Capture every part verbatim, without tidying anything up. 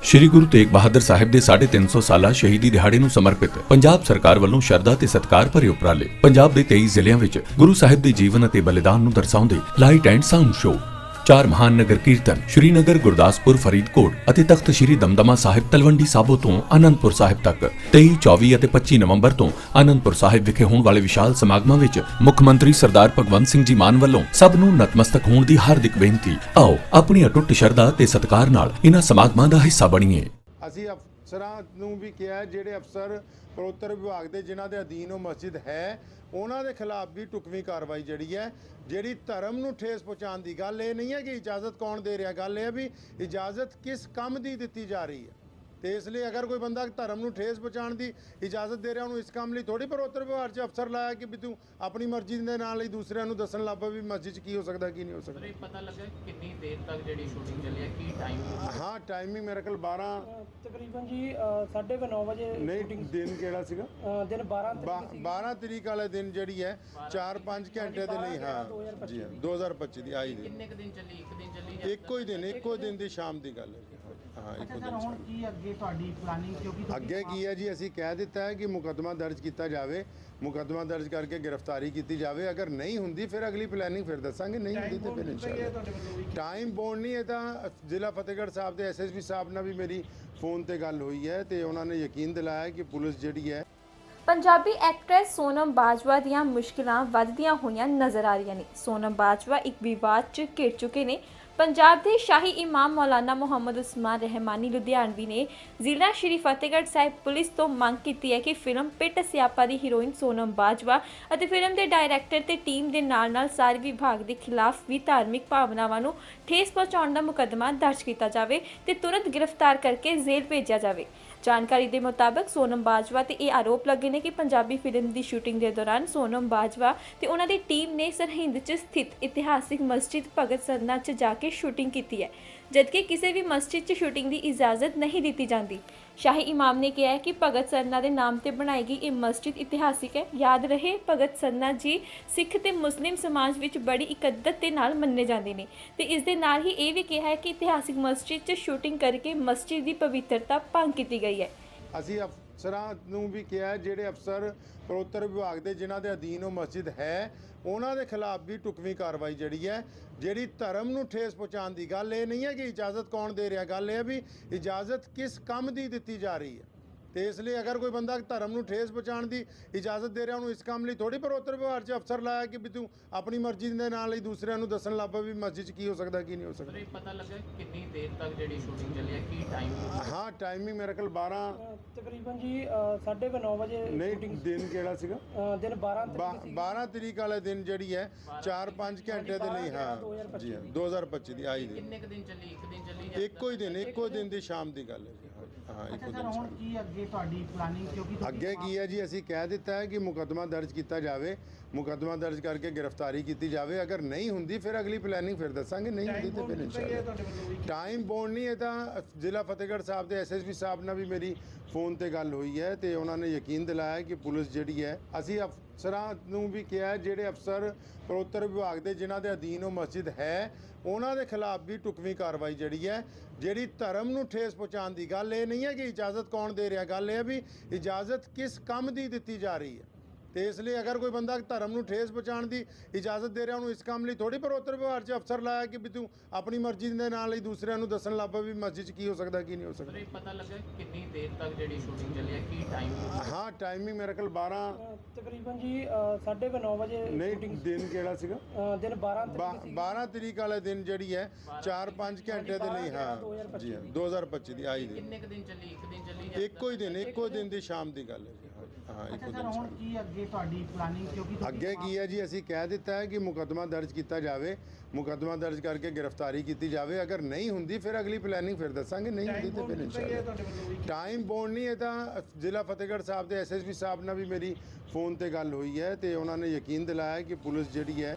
ਸ਼੍ਰੀ ਗੁਰੂ ਤੇਗ ਬਹਾਦਰ ਸਾਹਿਬ ਦੇ ਸਾਢੇ ਤਿੰਨ ਸੌ ਸਾਲਾ ਸ਼ਹੀਦੀ ਦਿਹਾੜੇ ਨੂੰ ਸਮਰਪਿਤ ਪੰਜਾਬ ਸਰਕਾਰ ਵੱਲੋਂ ਸ਼ਰਧਾ ਤੇ ਸਤਿਕਾਰ ਭਰੇ ਉਪਰਾਲੇ। ਪੰਜਾਬ ਦੇ ਤੇਈ ਜ਼ਿਲ੍ਹਿਆਂ ਵਿੱਚ ਗੁਰੂ ਸਾਹਿਬ ਦੇ ਜੀਵਨ ਅਤੇ ਬਲੀਦਾਨ ਨੂੰ ਦਰਸਾਉਂਦੇ ਲਾਈਟ ਐਂਡ ਸਾਊਂਡ ਸ਼ੋਅ, ਚਾਰ ਮਹਾਨ ਨਗਰ ਕੀਰਤਨ ਸ਼੍ਰੀਨਗਰ, ਗੁਰਦਾਸਪੁਰ, ਫਰੀਦਕੋਟ ਅਤੇ ਤਖਤ ਸ਼੍ਰੀ ਦਮਦਮਾ ਸਾਹਿਬ ਤਲਵੰਡੀ ਸਾਬੋ ਤੋਂ ਆਨੰਦਪੁਰ ਸਾਹਿਬ ਤੱਕ ਤੇਈ, ਚੌਵੀ ਅਤੇ ਪੱਚੀ ਨਵੰਬਰ ਤੋਂ ਆਨੰਦਪੁਰ ਸਾਹਿਬ ਵਿਖੇ ਹੋਣ ਵਾਲੇ ਵਿਸ਼ਾਲ ਸਮਾਗਮਾਂ ਵਿੱਚ ਮੁੱਖ ਮੰਤਰੀ ਸਰਦਾਰ ਭਗਵੰਤ ਸਿੰਘ ਜੀ ਮਾਨ ਵੱਲੋਂ ਸਭ ਨੂੰ ਨਤਮਸਤਕ ਹੋਣ ਦੀ ਹਾਰਦਿਕ ਬੇਨਤੀ। ਆਓ ਆਪਣੀ ਅਟੁੱਟ ਸ਼ਰਧਾ ਤੇ ਸਤਿਕਾਰ ਨਾਲ ਇਹਨਾਂ ਸਮਾਗਮਾਂ ਦਾ ਹਿੱਸਾ ਬਣੀਏ। ਅਸੀਂ ਅਫਸਰਾਂ ਨੂੰ ਵੀ ਕਿਹਾ, ਜਿਹੜੇ ਅਫਸਰ ਪ੍ਰੋਤਰ ਵਿਭਾਗ ਦੇ ਜਿਨ੍ਹਾਂ ਦੇ ਅਧੀਨ ਉਹ ਮਸਜਿਦ ਹੈ, ਉਹਨਾਂ ਦੇ ਖਿਲਾਫ ਵੀ ਟੁਕਵੀਂ ਕਾਰਵਾਈ ਜਿਹੜੀ ਹੈ, ਜਿਹੜੀ ਧਰਮ ਨੂੰ ਠੇਸ ਪਹੁੰਚਾਉਣ ਦੀ ਗੱਲ ਇਹ ਨਹੀਂ ਹੈ ਕਿ ਇਜਾਜ਼ਤ ਕੌਣ ਦੇ ਰਿਹਾ, ਗੱਲ ਇਹ ਹੈ ਵੀ ਇਜਾਜ਼ਤ ਕਿਸ ਕੰਮ ਦੀ ਦਿੱਤੀ ਜਾ ਰਹੀ ਹੈ। ਤੇ ਇਸ ਲਈ ਅਗਰ ਕੋਈ ਬੰਦਾ ਧਰਮ ਨੂੰ ਠੇਸ ਪਹੁੰਚਾਉਣ ਦੀ ਇਜਾਜ਼ਤ ਦੇ ਰਿਹਾ, ਉਹਨੂੰ ਇਸ ਕੰਮ ਲਈ ਥੋੜੀ ਪ੍ਰੋਤਰ ਵਿਭਾਗ 'ਚ ਅਫਸਰ ਲਾਇਆ ਕਿ ਵੀ ਤੂੰ ਆਪਣੀ ਮਰਜ਼ੀ ਦੇ ਨਾਲ ਹੀ ਦੂਸਰਿਆਂ ਨੂੰ ਦੱਸਣ ਲੱਗ ਪਏ ਵੀ ਮਸਜਿਦ 'ਚ ਕੀ ਹੋ ਸਕਦਾ ਕੀ ਨਹੀਂ ਹੋ ਸਕਦਾ। ਪਤਾ ਲੱਗਾ ਕਿੰਨੀ ਦੇਰ ਤੱਕ ਜਿਹੜੀ ਸ਼ੂਟਿੰਗ ਚੱਲੀ ਹੈ, ਕੀ ਟਾਈਮ? ਹਾਂ, ਟਾਈਮਿੰਗ ਮੇਰੇ ਕੋਲ ਬਾਰਾਂ ਤਕਰੀਬਨ ਜੀ ਸਾਢੇ ਨੌ ਵਜੇ ਨਹੀਂ, ਦਿਨ ਕਿਹੜਾ ਸੀਗਾ? ਅ, ਦਿਨ ਬਾਰਾਂ ਤਰੀਕ ਸੀ। ਬਾਰਾਂ ਤਰੀਕ ਵਾਲੇ ਦਿਨ ਜਿਹੜੀ ਹੈ ਚਾਰ ਪੰਜ ਘੰਟੇ ਦੇ ਲਈ, ਹਾਂ ਜੀ, ਦੋ ਹਜ਼ਾਰ ਪੱਚੀ ਦੀ ਆਈ ਦੀ। ਕਿੰਨੇ ਕੁ ਦਿਨ ਚੱਲੀ? ਇੱਕ ਦਿਨ ਚੱਲੀ ਜਾਂ ਇੱਕੋ ਹੀ ਦਿਨ, ਇੱਕੋ ਦਿਨ ਦੀ ਸ਼ਾਮ ਦੀ ਗੱਲ ਹੈ। ਹਾਂ, ਇੱਕੋ ਦਿਨ। ਹੁਣ ਕੀ ਅੱਗੇ ਤੁਹਾਡੀ ਪਲਾਨਿੰਗ? ਕਿਉਂਕਿ ਅੱਗੇ ਕੀ ਹੈ ਜੀ, ਅਸੀਂ ਕਹਿ ਦਿੱਤਾ ਹੈ ਕਿ ਮੁਕੱਦਮਾ ਦਰਜ ਕੀਤਾ ਜਾਵੇ, ਮੁਕੱਦਮਾ ਦਰਜ ਕਰਕੇ ਗ੍ਰਿਫਤਾਰੀ ਕੀਤੀ ਜਾਵੇ। ਅਗਰ ਨਹੀਂ ਹੁੰਦੀ ਫਿਰ ਅਗਲੀ ਪਲੈਨਿੰਗ ਫਿਰ ਦੱਸਾਂਗੇ, ਨਹੀਂ ਹੁੰਦੀ ਤੇ ਫਿਰ ਇਨਸ਼ਾਅੱਲਾ। ਟਾਈਮ ਬੌਂਡ ਨਹੀਂ, ਇਹ ਤਾਂ ਜ਼ਿਲ੍ਹਾ ਫਤਿਹਗੜ੍ਹ ਸਾਹਿਬ ਦੇ ਐਸ ਐਸ ਪੀ ਸਾਹਿਬ ਨਾਲ ਵੀ ਮੇਰੀ ਫੋਨ ਤੇ ਗੱਲ ਹੋਈ ਹੈ ਤੇ ਉਹਨਾਂ ਨੇ ਯਕੀਨ ਦਿਲਾਇਆ ਕਿ ਪੁਲਿਸ ਜਿਹੜੀ ਹੈ। ਪੰਜਾਬੀ ਐਕਟਰੈਸ ਸੋਨਮ ਬਾਜਵਾ ਦੀਆਂ ਮੁਸ਼ਕਿਲਾਂ ਵੱਧਦੀਆਂ ਹੋਈਆਂ ਨਜ਼ਰ ਆ ਰਹੀਆਂ ਨੇ। ਸੋਨਮ ਬਾਜਵਾ ਇੱਕ ਵਿਵਾਦ 'ਚ ਘਿਰ ਚੁੱਕੇ ਨੇ। ਪੰਜਾਬ ਦੇ ਸ਼ਾਹੀ ਇਮਾਮ ਮੌਲਾਨਾ ਮੁਹੰਮਦ ਉਸਮਾਨ ਰਹਿਮਾਨੀ ਲੁਧਿਆਣਵੀ ਨੇ ਜ਼ਿਲ੍ਹਾ ਸ਼੍ਰੀ ਫਤਿਹਗੜ੍ਹ ਸਾਹਿਬ ਪੁਲਿਸ ਤੋਂ ਮੰਗ ਕੀਤੀ ਹੈ ਕਿ ਫਿਲਮ ਪਿੱਟ ਸਿਆਪਾ ਦੀ ਹੀਰੋਇਨ ਸੋਨਮ ਬਾਜਵਾ ਅਤੇ ਫਿਲਮ ਦੇ ਡਾਇਰੈਕਟਰ ਤੇ ਟੀਮ ਦੇ ਨਾਲ-ਨਾਲ ਸਾਰੇ ਵਿਭਾਗ ਦੇ ਖਿਲਾਫ ਵੀ ਧਾਰਮਿਕ ਭਾਵਨਾਵਾਂ ਨੂੰ ਠੇਸ ਪਹੁੰਚਾਉਣ ਦਾ ਮੁਕੱਦਮਾ ਦਰਜ ਕੀਤਾ ਜਾਵੇ ਤੇ ਤੁਰੰਤ ਗ੍ਰਿਫਤਾਰ ਕਰਕੇ ਜੇਲ੍ਹ ਭੇਜਿਆ ਜਾਵੇ। ਜਾਣਕਾਰੀ ਦੇ ਮੁਤਾਬਕ ਸੋਨਮ ਬਾਜਵਾ ਤੇ ਇਹ ਆਰੋਪ ਲੱਗੇ ਨੇ ਕਿ ਪੰਜਾਬੀ ਫਿਲਮ ਦੀ ਸ਼ੂਟਿੰਗ ਦੇ ਦੌਰਾਨ ਸੋਨਮ ਬਾਜਵਾ ਤੇ ਉਹਨਾਂ ਦੀ ਟੀਮ ਨੇ ਸਰਹਿੰਦ 'ਚ ਸਥਿਤ ਇਤਿਹਾਸਿਕ ਮਸਜਿਦ ਭਗਤ ਸਰਨਾ 'ਚ ਜਾ ਕੇ ਸ਼ੂਟਿੰਗ ਕੀਤੀ ਹੈ, ਜਦਕਿ ਕਿਸੇ ਵੀ ਮਸਜਿਦ 'ਚ ਸ਼ੂਟਿੰਗ ਦੀ ਇਜਾਜ਼ਤ ਨਹੀਂ ਦਿੱਤੀ ਜਾਂਦੀ। ਸ਼ਾਹੀ ਇਮਾਮ ਨੇ ਕਿਹਾ ਹੈ ਕਿ ਭਗਤ ਸਰਨਾ ਦੇ ਨਾਮ ਤੇ ਬਣਾਈ ਗਈ ਇਹ ਮਸਜਿਦ ਇਤਿਹਾਸਿਕ ਹੈ। ਯਾਦ ਰਹੇ, ਭਗਤ ਸਰਨਾ ਜੀ ਸਿੱਖ ਤੇ ਮੁਸਲਿਮ ਸਮਾਜ ਵਿੱਚ ਬੜੀ ਇਕੱਦਤ ਦੇ ਨਾਲ ਮੰਨੇ ਜਾਂਦੇ ਨੇ ਤੇ ਇਸ ਦੇ ਨਾਲ ਹੀ ਇਹ ਵੀ ਕਿਹਾ ਹੈ ਕਿ ਇਤਿਹਾਸਿਕ ਮਸਜਿਦ 'ਚ ਸ਼ੂਟਿੰਗ ਕਰਕੇ ਮਸਜਿਦ ਦੀ ਪਵਿੱਤਰਤਾ ਭੰਗ ਕੀਤੀ ਗਈ ਹੈ। ਅਸੀਂ ਅਫਸਰਾਂ ਨੂੰ ਵੀ ਕਿਹਾ, ਜਿਹੜੇ ਅਫਸਰ ਪ੍ਰੋਤਰ ਵਿਭਾਗ ਦੇ ਜਿਨ੍ਹਾਂ ਦੇ ਅਧੀਨ ਉਹ ਮਸਜਿਦ ਹੈ, ਉਹਨਾਂ ਦੇ ਖਿਲਾਫ ਵੀ ਟੁਕਵੀਂ ਕਾਰਵਾਈ ਜਿਹੜੀ ਹੈ, ਜਿਹੜੀ ਧਰਮ ਨੂੰ ਠੇਸ ਪਹੁੰਚਾਉਣ ਦੀ ਗੱਲ ਇਹ ਨਹੀਂ ਹੈ ਕਿ ਇਜਾਜ਼ਤ ਕੌਣ ਦੇ ਰਿਹਾ, ਗੱਲ ਇਹ ਹੈ ਵੀ ਇਜਾਜ਼ਤ ਕਿਸ ਕੰਮ ਦੀ ਦਿੱਤੀ ਜਾ ਰਹੀ ਹੈ। ਤੇ ਇਸ ਲਈ ਅਗਰ ਕੋਈ ਬੰਦਾ ਧਰਮ ਨੂੰ ਠੇਸ ਪਹੁੰਚਾਉਣ ਦੀ ਇਜਾਜ਼ਤ ਦੇ ਰਿਹਾ, ਉਹਨੂੰ ਇਸ ਕੰਮ ਲਈ ਥੋੜੀ ਪ੍ਰੋਤਰ ਵਿਭਾਗ 'ਚ ਅਫਸਰ ਲਾਇਆ ਕਿ ਵੀ ਤੂੰ ਆਪਣੀ ਮਰਜ਼ੀ ਦੇ ਨਾਲ ਹੀ ਦੂਸਰਿਆਂ ਨੂੰ ਦੱਸਣ ਲੱਗ ਪਏ ਵੀ ਮਸਜਿਦ 'ਚ ਕੀ ਹੋ ਸਕਦਾ ਕੀ ਨਹੀਂ ਹੋ ਸਕਦਾ। ਪਤਾ ਲੱਗਾ ਕਿੰਨੀ ਦੇਰ ਤੱਕ ਜਿਹੜੀ ਸ਼ੂਟਿੰਗ ਚੱਲੀ ਹੈ, ਕੀ ਟਾਈਮ? ਹਾਂ, ਟਾਈਮਿੰਗ ਮੇਰੇ ਕੋਲ ਬਾਰਾਂ ਤਕਰੀਬਨ ਜੀ ਸਾਢੇ ਨੌ ਵਜੇ ਨਹੀਂ, ਦਿਨ ਕਿਹੜਾ ਸੀਗਾ? ਅ, ਦਿਨ ਬਾਰਾਂ ਤਰੀਕ ਸੀ। ਬਾਰਾਂ ਤਰੀਕ ਵਾਲੇ ਦਿਨ ਜਿਹੜੀ ਹੈ ਚਾਰ ਪੰਜ ਘੰਟੇ ਦੇ ਲਈ, ਹਾਂ ਜੀ, ਦੋ ਹਜ਼ਾਰ ਪੱਚੀ ਦੀ ਆਈ ਦੀ। ਕਿੰਨੇ ਕੁ ਦਿਨ ਚੱਲੀ? ਇੱਕ ਦਿਨ ਚੱਲੀ ਜਾਂ ਇੱਕੋ ਹੀ ਦਿਨ, ਇੱਕੋ ਦਿਨ ਦੀ ਸ਼ਾਮ ਦੀ ਗੱਲ ਹੈ। ਹਾਂ, ਇੱਕੋ ਦਿਨ। ਹੁਣ ਕੀ ਅੱਗੇ ਤੁਹਾਡੀ ਪਲਾਨਿੰਗ? ਕਿਉਂਕਿ ਅੱਗੇ ਕੀ ਹੈ ਜੀ, ਅਸੀਂ ਕਹਿ ਦਿੱਤਾ ਹੈ ਕਿ ਮੁਕੱਦਮਾ ਦਰਜ ਕੀਤਾ ਜਾਵੇ, ਮੁਕੱਦਮਾ ਦਰਜ ਕਰਕੇ ਗ੍ਰਿਫਤਾਰੀ ਕੀਤੀ ਜਾਵੇ। ਅਗਰ ਨਹੀਂ ਹੁੰਦੀ ਫਿਰ ਅਗਲੀ ਪਲੈਨਿੰਗ ਫਿਰ ਦੱਸਾਂਗੇ, ਨਹੀਂ ਹੁੰਦੀ ਤੇ ਫਿਰ ਇਨਸ਼ਾਅੱਲਾ। ਟਾਈਮ ਬੌਂਡ ਨਹੀਂ, ਇਹ ਤਾਂ ਜ਼ਿਲ੍ਹਾ ਫਤਿਹਗੜ੍ਹ ਸਾਹਿਬ ਦੇ ਐਸ ਐਸ ਪੀ ਸਾਹਿਬ ਨਾਲ ਵੀ ਮੇਰੀ ਫੋਨ ਤੇ ਗੱਲ ਹੋਈ ਹੈ ਤੇ ਉਹਨਾਂ ਨੇ ਯਕੀਨ ਦਿਲਾਇਆ ਕਿ ਪੁਲਿਸ ਜਿਹੜੀ ਹੈ। ਅਸੀਂ ਅਫਸਰਾਂ ਨੂੰ ਵੀ ਕਿਹਾ, ਜਿਹੜੇ ਅਫਸਰ ਪ੍ਰੋਤਰ ਵਿਭਾਗ ਦੇ ਜਿਨ੍ਹਾਂ ਦੇ ਅਧੀਨ ਉਹ ਮਸਜਿਦ ਹੈ, ਉਹਨਾਂ ਦੇ ਖਿਲਾਫ ਵੀ ਟੁਕਵੀਂ ਕਾਰਵਾਈ ਜਿਹੜੀ ਹੈ, ਜਿਹੜੀ ਧਰਮ ਨੂੰ ਠੇਸ ਪਹੁੰਚਾਉਣ ਦੀ ਗੱਲ ਇਹ ਨਹੀਂ ਹੈ ਕਿ ਇਜਾਜ਼ਤ ਕੌਣ ਦੇ ਰਿਹਾ, ਗੱਲ ਇਹ ਹੈ ਵੀ ਇਜਾਜ਼ਤ ਕਿਸ ਕੰਮ ਦੀ ਦਿੱਤੀ ਜਾ ਰਹੀ ਹੈ। ਤੇ ਇਸ ਲਈ ਅਗਰ ਕੋਈ ਬੰਦਾ ਧਰਮ ਨੂੰ ਠੇਸ ਪਹੁੰਚਾਉਣ ਦੀ ਇਜਾਜ਼ਤ ਦੇ ਰਿਹਾ, ਉਹਨੂੰ ਇਸ ਕੰਮ ਲਈ ਥੋੜੀ ਪ੍ਰੋਤਰ ਵਿਭਾਗ 'ਚ ਅਫਸਰ ਲਾਇਆ ਕਿ ਵੀ ਤੂੰ ਆਪਣੀ ਮਰਜ਼ੀ ਦੇ ਨਾਲ ਹੀ ਦੂਸਰਿਆਂ ਨੂੰ ਦੱਸਣ ਲੱਗ ਪਏ ਵੀ ਮਸਜਿਦ 'ਚ ਕੀ ਹੋ ਸਕਦਾ ਕੀ ਨਹੀਂ ਹੋ ਸਕਦਾ। ਪਤਾ ਲੱਗਾ ਕਿੰਨੀ ਦੇਰ ਤੱਕ ਜਿਹੜੀ ਸ਼ੂਟਿੰਗ ਚੱਲੀ ਹੈ, ਕੀ ਟਾਈਮ? ਹਾਂ, ਟਾਈਮਿੰਗ ਮੇਰੇ ਕੋਲ ਬਾਰਾਂ ਤਕਰੀਬਨ ਜੀ ਸਾਢੇ ਨੌ ਵਜੇ ਨਹੀਂ, ਦਿਨ ਕਿਹੜਾ ਸੀਗਾ? ਅ, ਦਿਨ ਬਾਰਾਂ ਤਰੀਕ ਸੀ। ਬਾਰਾਂ ਤਰੀਕ ਵਾਲੇ ਦਿਨ ਜਿਹੜੀ ਹੈ ਚਾਰ ਪੰਜ ਘੰਟੇ ਦੇ ਲਈ, ਹਾਂ ਜੀ, ਦੋ ਹਜ਼ਾਰ ਪੱਚੀ ਦੀ ਆਈ ਦੀ। ਕਿੰਨੇ ਕੁ ਦਿਨ ਚੱਲੀ? ਇੱਕ ਦਿਨ ਚੱਲੀ ਜਾਂ ਇੱਕੋ ਹੀ ਦਿਨ, ਇੱਕੋ ਦਿਨ ਦੀ ਸ਼ਾਮ ਦੀ ਗੱਲ ਹੈ। ਹਾਂ, ਇੱਕੋ ਦਿਨ। ਹੁਣ ਕੀ ਅੱਗੇ ਤੁਹਾਡੀ ਪਲਾਨਿੰਗ? ਕਿਉਂਕਿ ਅੱਗੇ ਕੀ ਹੈ ਜੀ, ਅਸੀਂ ਕਹਿ ਦਿੱਤਾ ਹੈ ਕਿ ਮੁਕੱਦਮਾ ਦਰਜ ਕੀਤਾ ਜਾਵੇ, ਮੁਕੱਦਮਾ ਦਰਜ ਕਰਕੇ ਗ੍ਰਿਫਤਾਰੀ ਕੀਤੀ ਜਾਵੇ। ਅਗਰ ਨਹੀਂ ਹੁੰਦੀ ਫਿਰ ਅਗਲੀ ਪਲੈਨਿੰਗ ਫਿਰ ਦੱਸਾਂਗੇ, ਨਹੀਂ ਹੁੰਦੀ ਤੇ ਫਿਰ ਇਨਸ਼ਾਅੱਲਾ। ਟਾਈਮ ਬੌਂਡ ਨਹੀਂ, ਇਹ ਤਾਂ ਜ਼ਿਲ੍ਹਾ ਫਤਿਹਗੜ੍ਹ ਸਾਹਿਬ ਦੇ ਐਸ ਐਸ ਪੀ ਸਾਹਿਬ ਨਾਲ ਵੀ ਮੇਰੀ ਫੋਨ ਤੇ ਗੱਲ ਹੋਈ ਹੈ ਤੇ ਉਹਨਾਂ ਨੇ ਯਕੀਨ ਦਿਲਾਇਆ ਕਿ ਪੁਲਿਸ ਜਿਹੜੀ ਹੈ।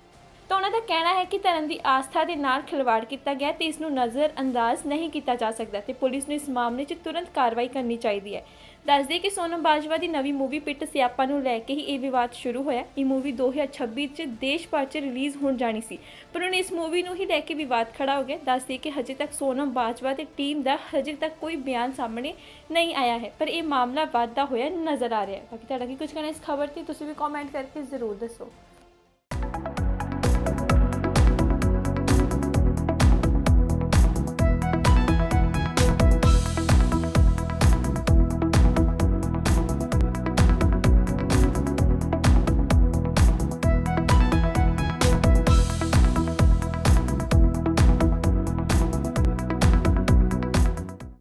ਤਾਂ ਉਹਨਾਂ ਦਾ ਕਹਿਣਾ ਹੈ ਕਿ ਧਰਮ ਦੀ ਆਸਥਾ ਦੇ ਨਾਲ ਖਿਲਵਾੜ ਕੀਤਾ ਗਿਆ ਤੇ ਇਸ ਨੂੰ ਨਜ਼ਰ ਅੰਦਾਜ਼ ਨਹੀਂ ਕੀਤਾ ਜਾ ਸਕਦਾ ਤੇ ਪੁਲਿਸ ਨੂੰ ਇਸ ਮਾਮਲੇ 'ਚ ਤੁਰੰਤ ਕਾਰਵਾਈ ਕਰਨੀ ਚਾਹੀਦੀ ਹੈ। ਦੱਸ ਦਈਏ ਕਿ ਸੋਨਮ ਬਾਜਵਾ ਦੀ ਨਵੀਂ ਮੂਵੀ ਪਿੱਟ ਸਿਆਪਾ ਨੂੰ ਲੈ ਕੇ ਹੀ ਇਹ ਵਿਵਾਦ ਸ਼ੁਰੂ ਹੋਇਆ। ਇਹ ਮੂਵੀ ਦੋ ਹਜ਼ਾਰ ਛੱਬੀ 'ਚ ਦੇਸ਼ ਭਰ 'ਚ ਰਿਲੀਜ਼ ਹੋਣ ਜਾਣੀ ਸੀ, ਪਰ ਹੁਣ ਇਸ ਮੂਵੀ ਨੂੰ ਹੀ ਲੈ ਕੇ ਵਿਵਾਦ ਖੜਾ ਹੋ ਗਿਆ। ਦੱਸ ਦਈਏ ਕਿ ਹਜੇ ਤੱਕ ਸੋਨਮ ਬਾਜਵਾ ਤੇ ਟੀਮ ਦਾ ਹਜੇ ਤੱਕ ਕੋਈ ਬਿਆਨ ਸਾਹਮਣੇ ਨਹੀਂ ਆਇਆ ਹੈ, ਪਰ ਇਹ ਮਾਮਲਾ ਵੱਧਦਾ ਹੋਇਆ ਨਜ਼ਰ ਆ ਰਿਹਾ ਹੈ। ਬਾਕੀ ਤੁਹਾਡਾ ਕੀ ਕੁਝ ਕਹਿਣਾ ਇਸ ਖਬਰ ਤੇ ਤੁਸੀਂ ਵੀ ਕਮੈਂਟ ਕਰਕੇ ਜ਼ਰੂਰ ਦੱਸੋ।